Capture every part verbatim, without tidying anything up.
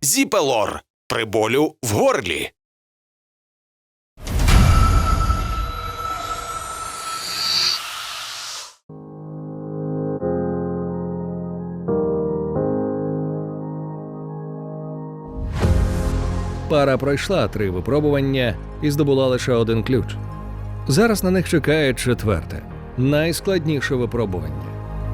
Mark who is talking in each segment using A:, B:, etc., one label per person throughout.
A: Зіпелор при болю в горлі.
B: Пара пройшла три випробування і здобула лише один ключ. Зараз на них чекає четверте, найскладніше випробування.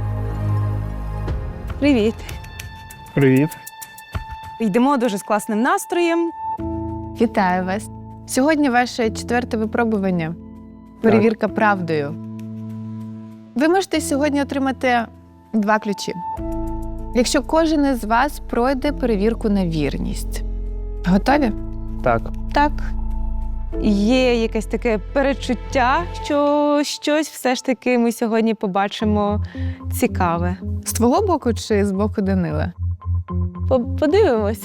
C: Привіт.
D: Привіт.
C: Йдемо дуже з класним настроєм.
E: Вітаю вас. Сьогодні ваше четверте випробування. Перевірка правдою. Ви можете сьогодні отримати два ключі. Якщо кожен із вас пройде перевірку на вірність. Готові?
D: Так.
C: Так. Є якесь таке перечуття, що щось все ж таки ми сьогодні побачимо цікаве.
E: З твого боку чи з боку Данила?
C: По- Подивимось.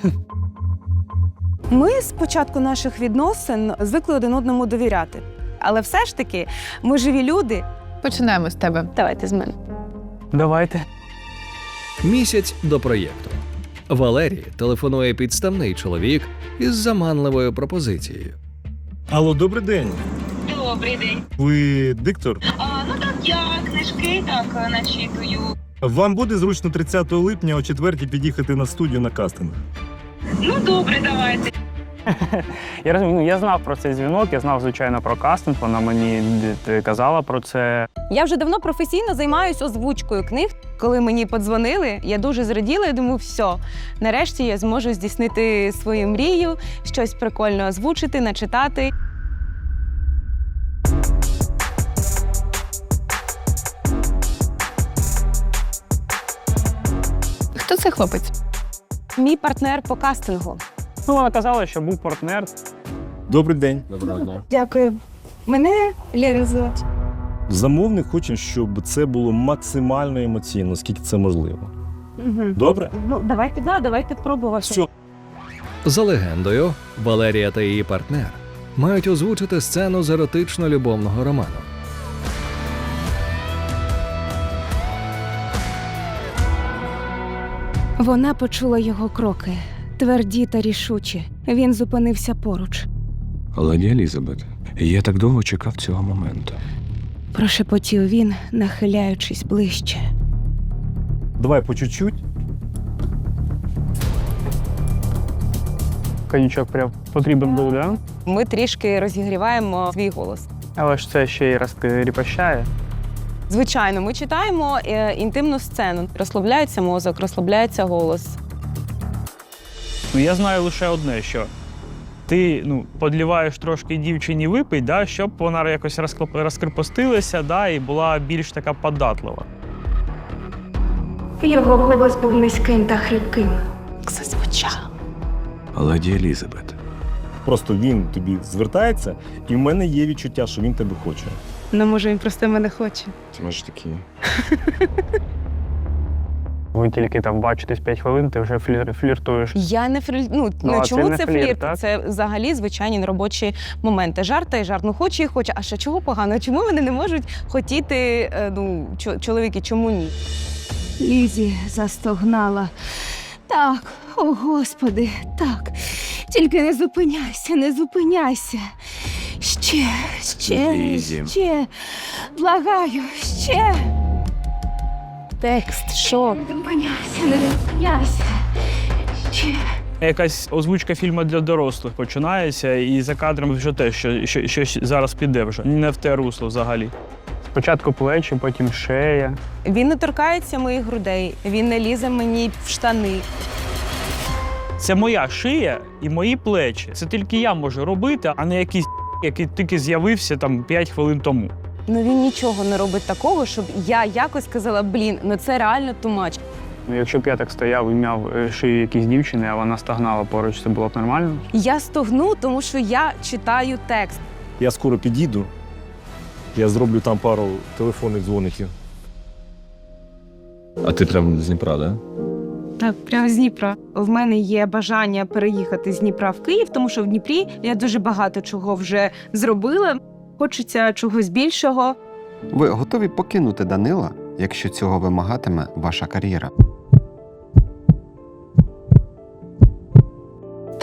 C: Ми з початку наших відносин звикли один одному довіряти. Але все ж таки, ми живі люди.
E: Починаємо з тебе.
C: Давайте з мене.
D: Давайте.
B: Місяць до проєкту. Валерії телефонує підставний чоловік із заманливою пропозицією.
F: Алло, добрий день.
G: Добрий день.
F: Ви диктор?
G: А, ну так, я книжки так начитую.
F: Вам буде зручно тридцятого липня о четвертій під'їхати на студію на кастинг?
G: Ну добре, давайте.
D: Я розумію, ну, я знав про цей дзвінок, я знав, звичайно, про кастинг, вона мені д- казала про це.
C: Я вже давно професійно займаюся озвучкою книг. Коли мені подзвонили, я дуже зраділа і думаю, все, нарешті я зможу здійснити свою мрію, щось прикольно озвучити, начитати.
E: Хто цей хлопець?
C: Мій партнер по кастингу.
D: Ну, вона казала, що був партнер.
F: Добрий день.
D: Доброго дня.
C: Дякую. Мене Лера звати.
F: Замовник хоче, щоб це було максимально емоційно, скільки це можливо.
C: Угу.
F: Добре?
C: Ну, давайте, да, давайте пробувати.
F: Все.
B: За легендою, Валерія та її партнер мають озвучити сцену з еротично-любовного роману.
H: Вона почула його кроки, тверді та рішучі. Він зупинився поруч.
I: Леді Елізабет, я так довго чекав цього моменту.
H: Прошепотів він, нахиляючись ближче.
F: Давай по чуть-чуть.
D: Коньячок прям потрібен був, да?
C: Ми трішки розігріваємо свій голос.
D: Але ж це ще й розкріпощає.
C: Звичайно, ми читаємо е, інтимну сцену. Розслабляється мозок, розслабляється голос.
D: Ну, я знаю лише одне, що ти ну, подліваєш трошки дівчині випить, да, щоб вона якось розклеп- розкрепостилася, да, і була більш така податлива.
H: Його голос був низьким та хрипким.
C: Зазвучав.
I: Леді Елізабет,
F: Просто він тобі звертається, і в мене є відчуття, що він тебе хоче.
C: Ну, може, він просто мене хоче.
I: це може такі.
D: Ви тільки там бачитесь п'ять хвилин, ти вже флір, фліртуєш.
C: Я не флір... Ну,
D: Ну,
C: ну
D: а
C: чому
D: це
C: це,
D: не флірт,
C: флірт?
D: так?
C: Це взагалі звичайні робочі моменти. Жарт та й жарт. Ну, хоче і хоче. А що, чого погано? Чому вони не можуть хотіти, е, ну, чо- чоловіки, чому ні?
H: Лізі застогнала. Так, о Господи, так. Тільки не зупиняйся, не зупиняйся. Ще, ще,
I: Лізі.
H: ще. Благаю, ще.
C: Текст, що?
H: Не зупиняйся, не зупиняйся. Ще.
D: Якась озвучка фільму для дорослих починається, і за кадром вже те, що, що, що зараз піде вже. Не в те русло взагалі. Спочатку плечі, потім шея.
C: Він не торкається моїх грудей, він не лізе мені в штани.
D: Це моя шия і мої плечі. Це тільки я можу робити, а не якийсь який тільки з'явився там п'ять хвилин тому.
C: Ну він нічого не робить такого, щоб я якось сказала, блін, ну це реально тумач.
D: Ну, якщо б я так стояв і м'яв е, шию якійсь дівчини, а вона стогнала поруч, це було б нормально?
C: Я стогну, тому що я читаю текст.
F: Я скоро під'їду. Я зроблю там пару телефонних дзвоників.
I: А ти прям з Дніпра, да?
C: Так, прямо з Дніпра. В мене є бажання переїхати з Дніпра в Київ, тому що в Дніпрі я дуже багато чого вже зробила. Хочеться чогось більшого.
J: Ви готові покинути Данила, якщо цього вимагатиме ваша кар'єра?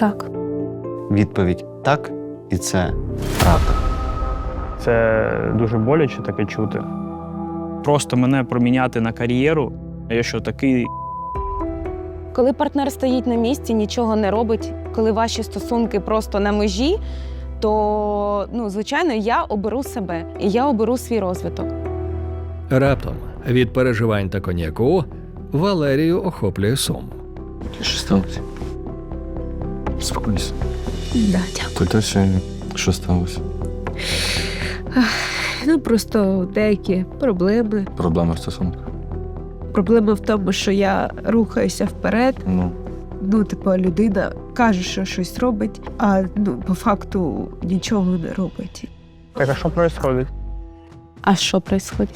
H: Так.
J: Відповідь так, і це правда.
D: Це дуже боляче таке чути. Просто мене проміняти на кар'єру, я що такий.
C: Коли партнер стоїть на місці, нічого не робить, коли ваші стосунки просто на межі, то, ну, звичайно, я оберу себе і я оберу свій розвиток.
B: Раптом від переживань та коньяку Валерію охоплює сум.
I: Що сталося? Спокойся.
H: Да, дякую.
I: То далі що сталося?
H: Ну, просто деякі проблеми.
I: Проблема в стосунках.
H: Проблема в тому, що я рухаюся вперед.
I: Ну,
H: Ну, типу, людина каже, що щось робить, а ну, по факту нічого не робить.
D: Так, а що відбувається?
C: А що відбувається?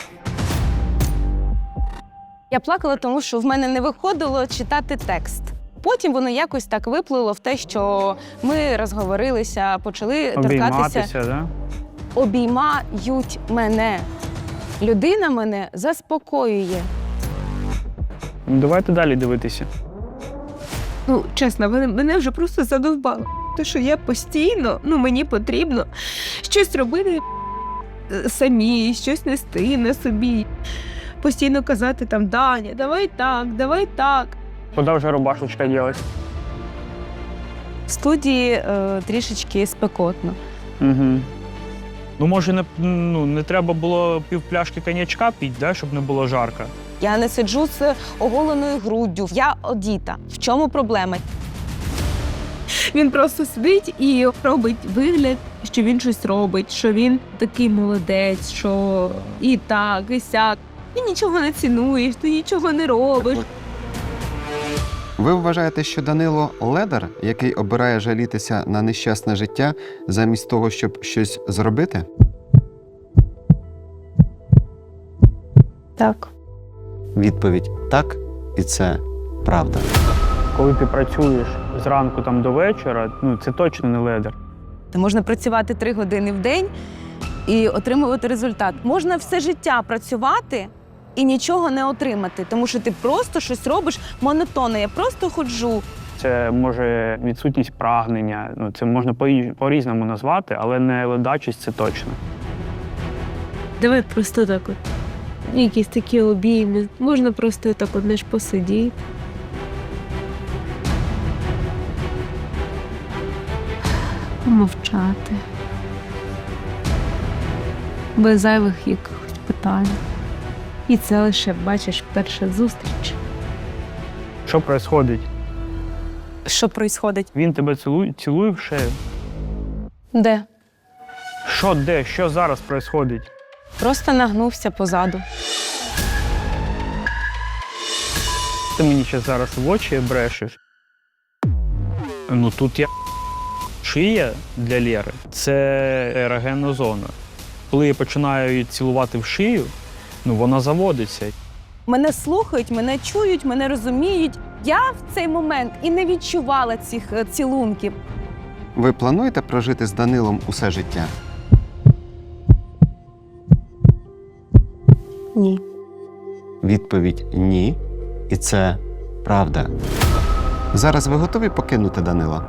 C: Я плакала, тому що в мене не виходило читати текст. Потім воно якось так виплило в те, що ми розговорилися, почали торкатися.
D: Обійматися, да?
C: Обіймають мене. Людина мене заспокоює.
D: Ну, давайте далі дивитися.
H: Ну, чесно, мене, мене вже просто задовбало. Те, що я постійно, ну, мені потрібно щось робити е, самі, щось нести на собі. Постійно казати там, Даня, давай так, давай так.
D: Куди вже рубашечка ділась?
C: В студії е, трішечки спекотно.
D: Угу. Ну, може, не, ну, не треба було півпляшки коньячка пити, да, щоб не було жарко?
C: Я не сиджу з оголеною груддю. Я одіта. В чому проблема?
H: Він просто сидить і робить вигляд, що він щось робить, що він такий молодець, що і так, і сяк. Ти нічого не цінуєш, ти нічого не робиш.
J: Ви вважаєте, що Данило ледар, який обирає жалітися на нещасне життя замість того, щоб щось зробити?
H: Так.
J: Відповідь так, і це правда.
D: Коли ти працюєш зранку там до вечора, ну, це точно не ледер.
C: Та можна працювати три години в день і отримувати результат. Можна все життя працювати і нічого не отримати, тому що ти просто щось робиш монотонно. Я просто ходжу.
D: Це може відсутність прагнення, ну, це можна по- по-різному назвати, але не ледачість – це точно.
H: Давай просто так от. Якісь такі обійми. Можна просто так от, знаєш, посидіти. Помовчати. Без зайвих якихось питань. І це лише, бачиш, перша зустріч.
D: Що відбувається?
C: Що відбувається?
D: Він тебе цілує, цілує в шею.
C: Де?
D: Що де? Що зараз відбувається?
C: Просто нагнувся позаду.
D: Ти мені ще зараз в очі брешеш. Ну тут я шия для Лєри – це ерогенна зона. Коли я починаю її цілувати в шию, ну вона заводиться.
C: Мене слухають, мене чують, мене розуміють. Я в цей момент і не відчувала цих е, цілунків.
J: Ви плануєте прожити з Данилом усе життя?
C: Ні.
J: Відповідь ні, і це правда. Зараз ви готові покинути Данила?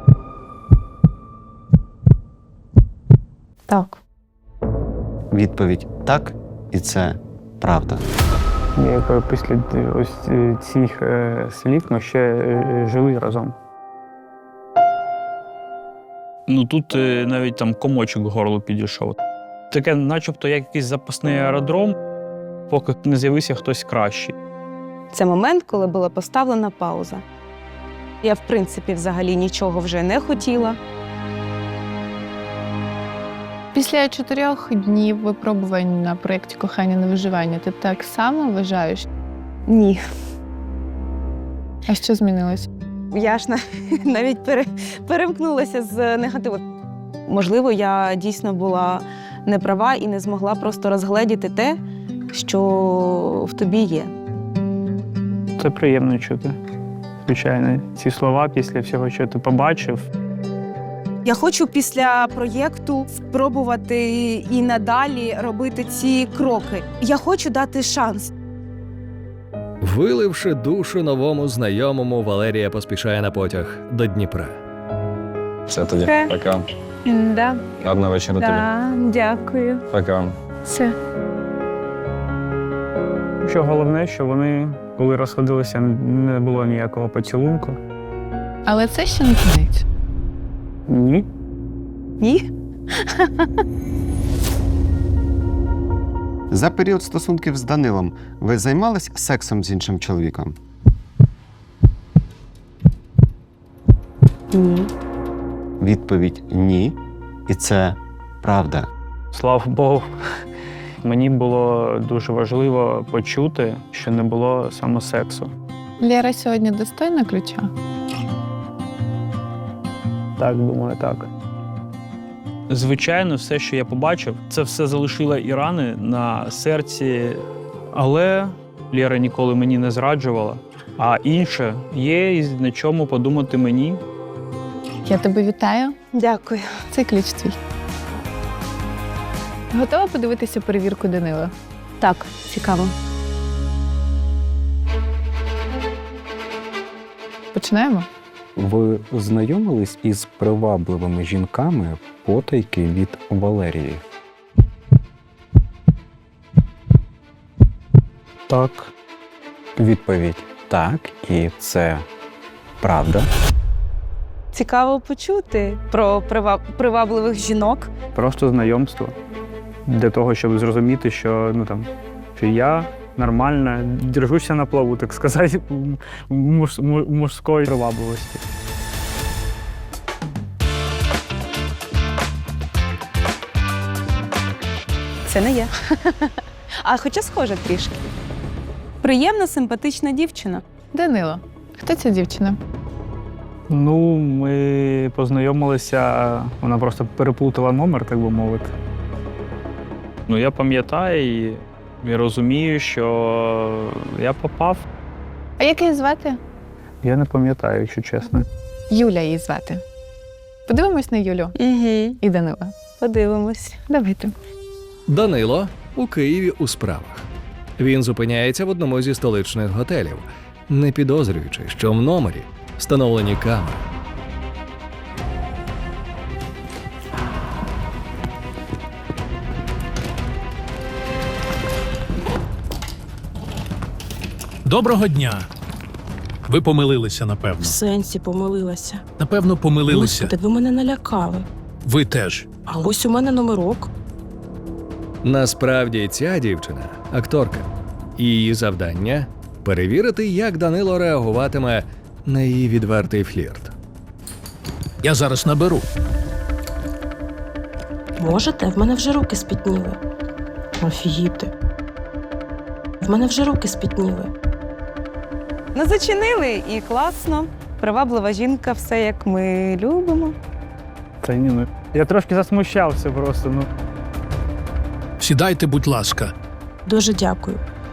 C: Так.
J: Відповідь так, і це правда.
D: Я після ось цих е, слів ми ще е, жили разом. Ну тут е, навіть там комочок к горлу підійшов. Таке начебто як якийсь запасний аеродром, поки не з'явився хтось кращий.
C: Це момент, коли була поставлена пауза. Я, в принципі, взагалі нічого вже не хотіла.
E: Після чотирьох днів випробувань на проєкті «Кохання на виживання» ти так само вважаєш?
C: Ні.
E: А що змінилось?
C: Я ж на- навіть пере, перемкнулася з негативу. Можливо, я дійсно була не права і не змогла просто розгледіти те, що в тобі є.
D: Це приємно чути. Звичайно, ці слова після всього, що ти побачив.
C: Я хочу після проєкту спробувати і надалі робити ці кроки. Я хочу дати шанс.
B: Виливши душу новому знайомому, Валерія поспішає на потяг до Дніпра.
I: Все тоді.
H: Все.
I: Пока.
H: Да.
I: Гарного вечора тобі.
H: Да, дякую.
I: Пока.
H: Все.
D: Що головне, що вони, коли розходилися, не було ніякого поцілунку.
E: Але це ще не кінець.
D: Ні.
C: Ні?
J: За період стосунків з Данилом ви займались сексом з іншим чоловіком?
C: Ні.
J: Відповідь ні. І це правда.
D: Слава Богу. Мені було дуже важливо почути, що не було саме сексу.
E: Лєра сьогодні достойна ключа?
D: Так, думаю, так. Звичайно, все, що я побачив, це все залишило і рани на серці. Але Лєра ніколи мені не зраджувала. А інше є і на чому подумати мені.
E: Я тебе вітаю.
C: Дякую.
E: Це ключ твій. Готова подивитися перевірку Данила?
C: Так, цікаво.
E: Починаємо?
I: Ви знайомились із привабливими жінками потайки від Валерії?
D: Так.
I: Відповідь так, і це правда.
C: Цікаво почути про прива- привабливих жінок.
D: Просто знайомство. Для того, щоб зрозуміти, що, ну, там, що я нормально держуся на плаву, так сказати, муж, муж, мужської привабливості.
C: Це не я. А хоча схоже трішки. Приємна, симпатична дівчина.
E: Данило, хто ця дівчина?
D: Ну, ми познайомилися, вона просто переплутала номер, так би мовити. Ну, я пам'ятаю і, і розумію, що я попав.
E: А як її звати?
D: Я не пам'ятаю, якщо чесно.
E: Юля її звати. Подивимось на Юлю
C: Угу.
E: і Данила.
C: Подивимось.
E: Давайте.
B: Данило у Києві у справах. Він зупиняється в одному зі столичних готелів, не підозрюючи, що в номері встановлені камери.
K: Доброго дня. Ви помилилися, напевно.
L: В сенсі помилилася.
K: Напевно, помилилися.
L: Господи, ви мене налякали.
K: Ви теж.
L: А ось у мене номерок.
B: Насправді ця дівчина – акторка. І її завдання – перевірити, як Данило реагуватиме на її відвертий флірт.
K: Я зараз наберу.
L: Можете? В мене вже руки спітніли. Офігіти. В мене вже руки спітніли.
C: Ну, зачинили і класно. Приваблива жінка, все як ми любимо.
D: Та ні, ну. Я трошки засмущався просто, ну.
K: Сідайте, будь ласка.
L: Дуже дякую.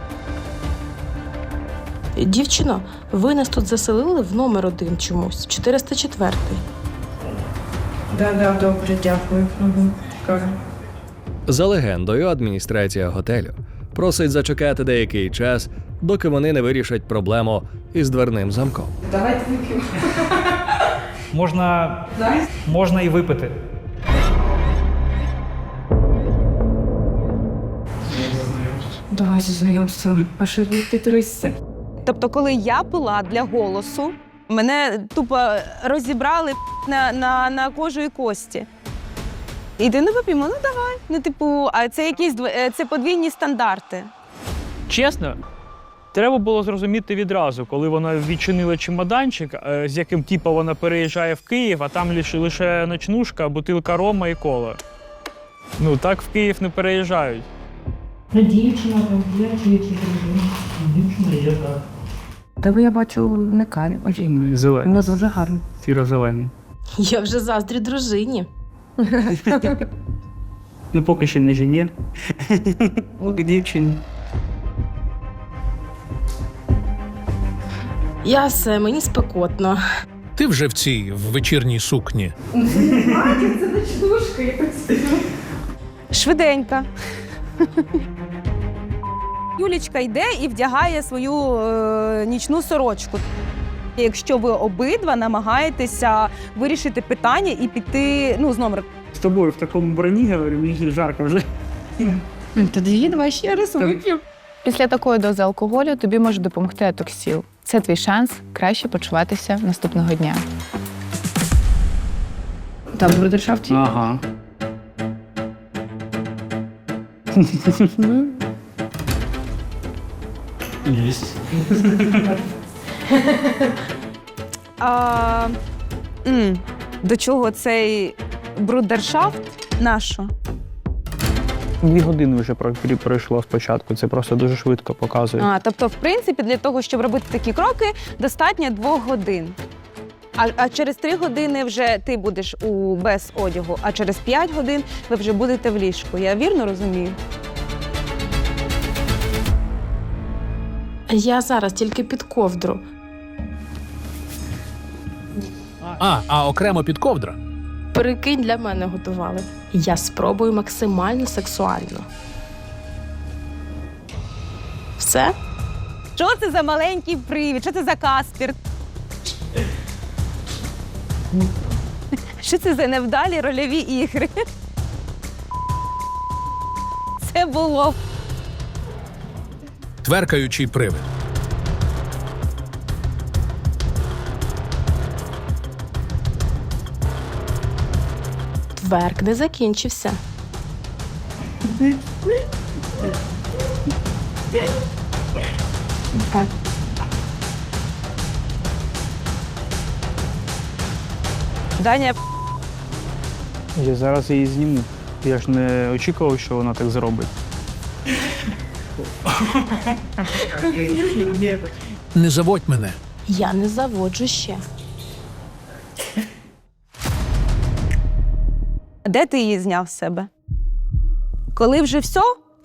L: Дівчино, ви нас тут заселили в номер один чомусь. чотириста четвертий.
H: Да-да, добре, дякую. Угу.
B: За легендою, адміністрація готелю просить зачекати деякий час, доки вони не вирішать проблему із дверним замком.
H: Давайте вип'ємо.
D: Можна, можна і випити.
H: Давайте знайомство. А що ти трусся?
C: Тобто, коли я пила для голосу, мене тупо розібрали на, на, на кожу і кості. Іди не вип'ємо, ну давай. Ну, типу, а це якісь дв- е, це подвійні стандарти.
D: Чесно, треба було зрозуміти відразу, коли вона відчинила чемоданчик, е, з яким типу вона переїжджає в Київ, а там лише, лише ночнушка, бутилка рома і кола. Ну, так в Київ не переїжджають.
G: Ну, дівчина там є, чи чи дружина. Дівчина є, так.
H: Тебе я бачу не камінь.
D: Зелений.
H: Вона дуже гарна.
D: Сіро-зелений.
L: Я вже заздрю дружині.
D: Ну, поки ще не жені. Поки дівчині.
L: Я все, мені спекотно.
K: Ти вже в цій в вечірній сукні.
C: Швиденько. Юлічка йде і вдягає свою е, нічну сорочку. Якщо ви обидва намагаєтеся вирішити питання і піти, ну, з номер.
D: З тобою в такому броні, говорю, мені жарко вже.
H: Тоді давай ще раз вип'ємо.
E: Після такої дози алкоголю тобі може допомогти атоксіл. Це твій шанс краще почуватися наступного дня.
H: Там в брудершафті.
D: Ага. Єсть.
C: А, м, до чого цей брудершафт? Нащо?
D: Дві години вже про- пройшло спочатку, це просто дуже швидко показує.
C: А, тобто, в принципі, для того, щоб робити такі кроки, достатньо двох годин. А, а через три години вже ти будеш у без одягу, а через п'ять годин ви вже будете в ліжку. Я вірно розумію?
L: Я зараз тільки під ковдру.
K: А, а окремо під ковдра.
L: Прикинь, для мене готували. Я спробую максимально сексуально. Все?
C: Що це за маленький привід? Що це за Каспір? Що це за невдалі рольові ігри? Це було.
K: Тверкаючий привид.
L: Тверк не закінчився.
C: Даня,
D: Я зараз її зніму. Я ж не очікував, що вона так зробить.
K: Не заводь мене.
L: Я не заводжу ще.
C: де ти її зняв з себе? Коли вже все?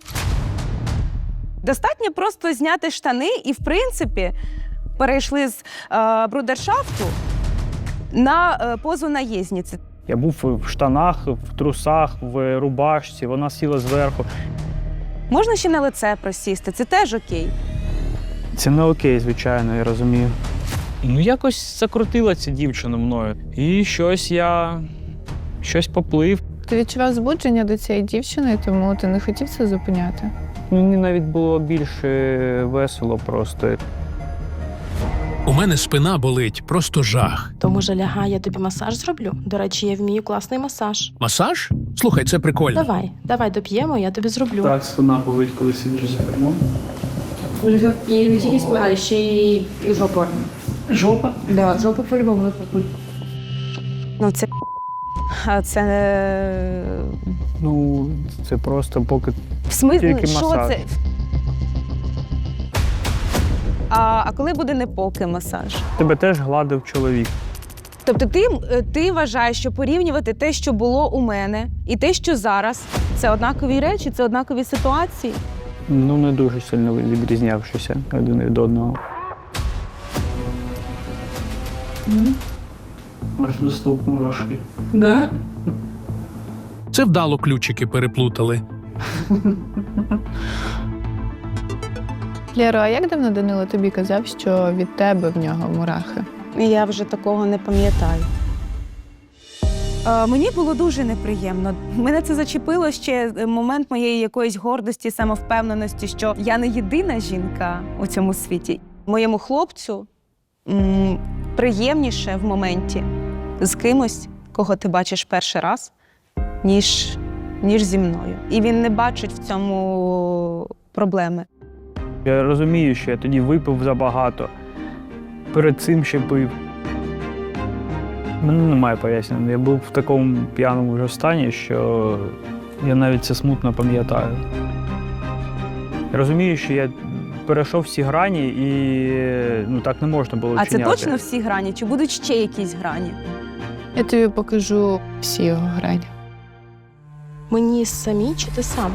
C: Достатньо просто зняти штани і, в принципі, перейшли з е, брудершафту на е, позу наєзниці.
D: Я був в штанах, в трусах, в рубашці, вона сіла зверху.
C: Можна ще на лице просісти, це теж окей.
D: Це не окей, звичайно, я розумію. Ну, якось закрутила ця дівчина мною. І щось я... щось поплив.
E: Ти відчував збудження до цієї дівчини, тому ти не хотів це зупиняти?
D: Мені навіть було більше весело просто.
K: У мене спина болить, просто жах.
L: То, може, лягай, я тобі масаж зроблю? До речі, я вмію класний масаж.
K: Масаж? Слухай, це прикольно.
L: Давай, давай доп'ємо, я тобі зроблю.
D: Так, спина болить, коли сидиш за кермом.
H: І не тільки спина, ще й жопа.
D: Жопа?
H: Да, жопа по-любому.
C: Ну, це а це
D: Ну, це просто поки
C: в смислі,
D: тільки
C: що
D: масаж.
C: це? А, а коли буде не поки масаж?
D: Тебе теж гладив чоловік.
C: Тобто ти, ти вважаєш, що порівнювати те, що було у мене, і те, що зараз, це однакові речі, це однакові ситуації?
D: Ну, не дуже сильно відрізнявшися один від одного. Аж доступно трошки.
H: Да?
K: Це вдало ключики переплутали.
E: Лєро, а як давно Данило тобі казав, що від тебе в нього мурахи?
C: Я вже такого не пам'ятаю. Е, мені було дуже неприємно. Мене це зачепило ще момент моєї якоїсь гордості, самовпевненості, що я не єдина жінка у цьому світі. Моєму хлопцю м, приємніше в моменті з кимось, кого ти бачиш перший раз, ніж, ніж зі мною. І він не бачить в цьому проблеми.
D: Я розумію, що я тоді випив забагато. Перед цим ще пив. У мене немає пояснення. Я був в такому п'яному вже стані, що я навіть це смутно пам'ятаю. Я розумію, що я перейшов всі грані і ну, так не можна було
C: А
D: вчиняти.
C: це точно всі грані? Чи будуть ще якісь грані?
E: Я тобі покажу всі його грані.
L: Мені самі чи ти сам?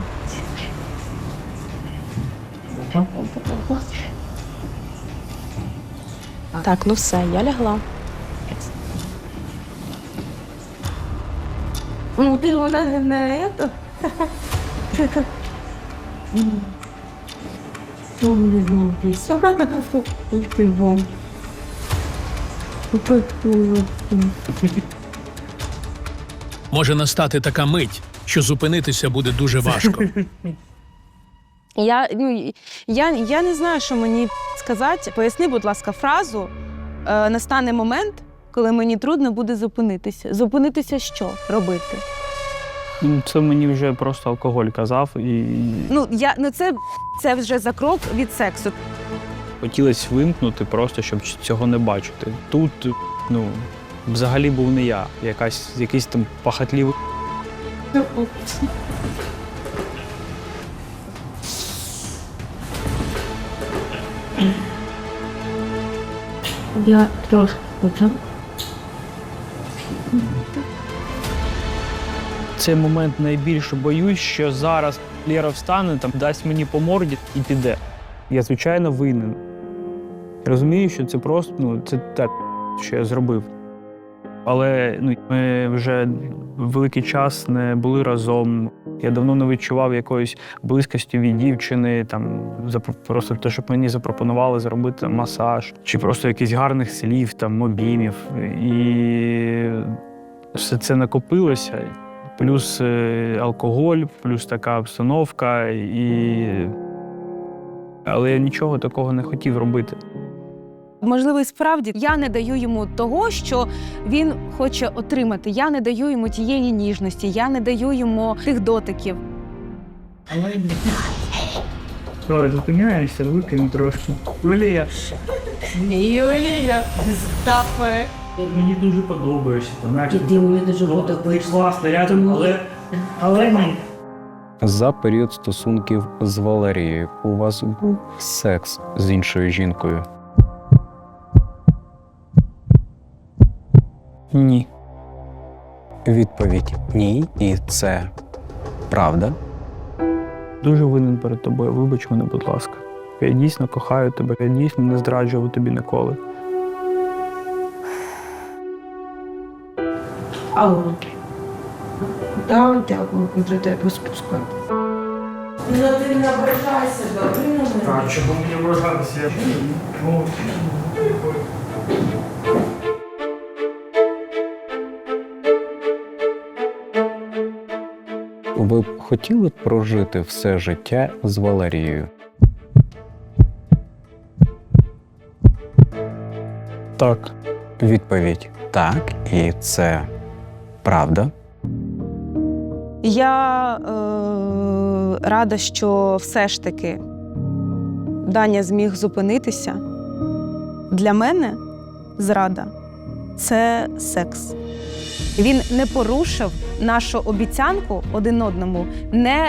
L: Так, ну все, я лягла.
H: Ну, ти вона не это. Ну, не знаю, ти
K: Може настати така мить, що зупинитися буде дуже важко.
C: Я, ну, я, я не знаю, що мені сказати. Поясни, будь ласка, фразу. Е, настане момент, коли мені трудно буде зупинитися. Зупинитися що робити?
D: Ну, це мені вже просто алкоголь казав. І
C: Ну, я, ну це, це вже за крок від сексу.
D: хотілося вимкнути просто, щоб цього не бачити. Тут, ну, взагалі був не я, якась, якийсь там пахатливий.
G: Я трошки почав.
D: Цей момент найбільше боюсь, що зараз Лєра встане, там, дасть мені по морді і піде. Я, звичайно, винен. Розумію, що це просто, ну, це те, що я зробив. Але ну, ми вже великий час не були разом. Я давно не відчував якоїсь близькості від дівчини, там, просто те, щоб мені запропонували зробити масаж, чи просто якихось гарних слів, там, обіймів. І все це накопилося. Плюс алкоголь, плюс така обстановка. І... Але я нічого такого не хотів робити.
C: Можливо, і справді я не даю йому того, що він хоче отримати. Я не даю йому тієї ніжності, я не даю йому тих дотиків.
D: Але Сори, зупиняєшся, викину трошки. Юлія.
C: Юлія, стопи.
D: Мені дуже подобаєшся.
G: Ти мені дуже подобаєшся.
D: Класно, рядом, але... але ні.
I: За період стосунків з Валерією у вас був секс з іншою жінкою?
D: Ні.
I: Відповідь ні, і це правда.
D: Дуже винен перед тобою. Вибач мене, будь ласка. Я дійсно кохаю тебе, я дійсно не зраджував тобі ніколи.
G: Алло. Да, дякую, за тебе спускати. Ну ти не ображайся, добре на мене.
D: Так, чого мені ображатися? Я... Ну...
I: Ви б хотіли прожити все життя з Валерією?
D: Так.
I: Відповідь так, і це правда.
C: Я е, рада, що все ж таки Даня зміг зупинитися. Для мене зрада – це секс. Він не порушив нашу обіцянку один одному не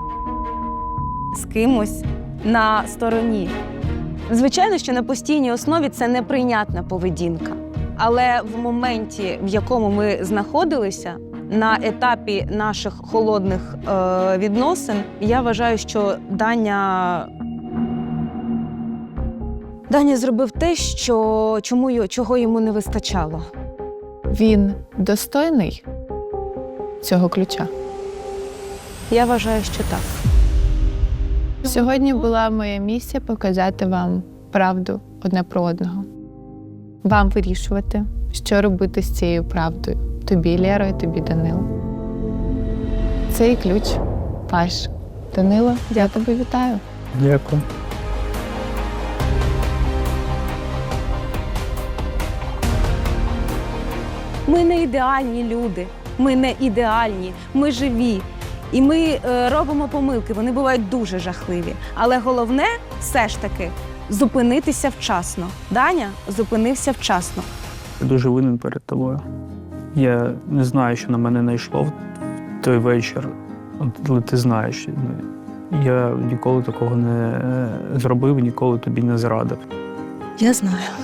C: з кимось на стороні. Звичайно, що на постійній основі це неприйнятна поведінка. Але в моменті, в якому ми знаходилися, на етапі наших холодних е, відносин, я вважаю, що Даня, Даня зробив те, що, чому, чого йому не вистачало.
E: Він достойний цього ключа?
C: Я вважаю, що так.
E: Сьогодні була моя місія показати вам правду одне про одного. Вам вирішувати, що робити з цією правдою. Тобі, Лєро, і тобі, Данило. Цей ключ ваш. Данило, я тебе вітаю.
D: Дякую.
C: Ми не ідеальні люди, ми не ідеальні, ми живі. І ми е, робимо помилки, вони бувають дуже жахливі. Але головне все ж таки зупинитися вчасно. Даня зупинився вчасно.
D: Я дуже винен перед тобою. Я не знаю, що на мене найшло в той вечір, але ти знаєш. Я ніколи такого не зробив, ніколи тобі не зрадив.
L: Я знаю.